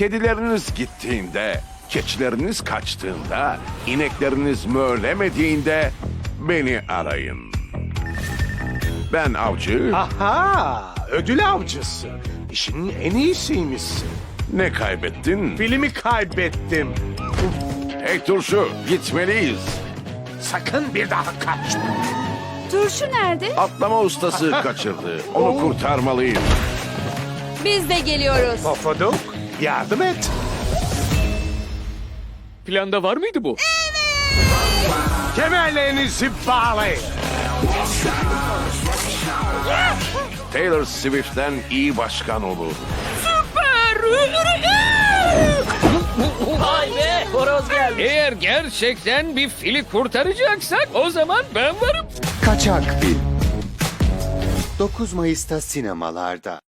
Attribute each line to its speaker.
Speaker 1: Kedileriniz gittiğinde, keçileriniz kaçtığında, inekleriniz mölemediğinde beni arayın. Ben avcı,
Speaker 2: Aha, ödül avcısı. İşinin en iyisiymişsin.
Speaker 1: ne kaybettin?
Speaker 2: Filmi kaybettim.
Speaker 1: Hey turşu, gitmeliyiz.
Speaker 2: Sakın bir daha kaçma.
Speaker 3: Turşu nerede?
Speaker 1: Atlama ustası kaçırdı. Onu kurtarmalıyım.
Speaker 3: Biz de geliyoruz.
Speaker 2: Pofuduk, yardım et.
Speaker 4: Planda var mıydı bu?
Speaker 2: Kemerlerinizi bağlayın.
Speaker 1: Taylor Swift'ten iyi başkan olur.
Speaker 5: Vay be, horoz geldi.
Speaker 4: Eğer gerçekten bir fili kurtaracaksak o zaman ben varım.
Speaker 6: Kaçak Film 9 Mayıs'ta sinemalarda.